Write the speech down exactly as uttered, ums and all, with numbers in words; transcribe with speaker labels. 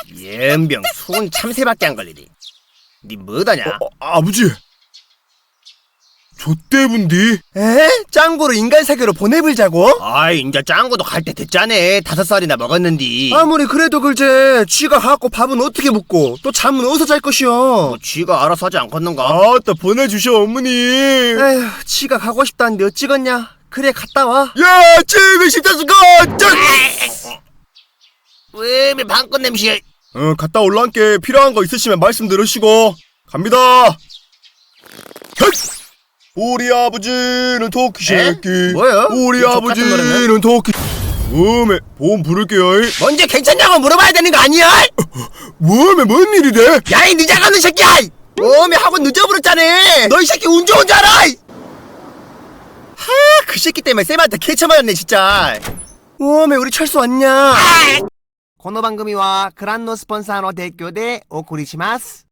Speaker 1: 연병 수은 참새밖에 안 걸리니. 니 뭐다냐?
Speaker 2: 어, 아버지 좆대분디.
Speaker 3: 에? 짱구로 인간 세계로 보내불자고?
Speaker 1: 아이 인자 짱구도 갈 때 됐자네. 다섯 살이나 먹었는디.
Speaker 3: 아무리 그래도 글제 쥐가 갖고 밥은 어떻게 묵고 또 잠은 어디서 잘 것이오?
Speaker 1: 뭐 쥐가 알아서 하지 않겠는가?
Speaker 2: 아따 보내주셔 어머니.
Speaker 3: 에휴, 쥐가 가고 싶다는데 어찌겠냐? 그래 갔다 와.
Speaker 2: 야 지금 십자수가
Speaker 1: 왜 방꽃 냄새?
Speaker 2: 어 갔다 올라앉게. 필요한 거 있으시면 말씀 들으시고 갑니다. 헛! 우리 아버지는 토끼 새끼.
Speaker 1: 뭐야?
Speaker 2: 우리
Speaker 1: 이 족같은
Speaker 2: 아버지는 토끼. 음에 보험 부를게요. 이.
Speaker 1: 먼저 괜찮냐고 물어봐야 되는 거 아니야?
Speaker 2: 음에 뭔 일이래?
Speaker 1: 야이 늦어가는 새끼야! 어메 학원 늦어버렸잖아. 너 이 새끼 운 좋은 줄 알아?
Speaker 3: 하, 그 새끼 때문에 쌤한테 개쳐 맞았네 진짜. 오메 우리 철수 왔냐?
Speaker 1: この番組はクランのスポンサーの提供でお送りします。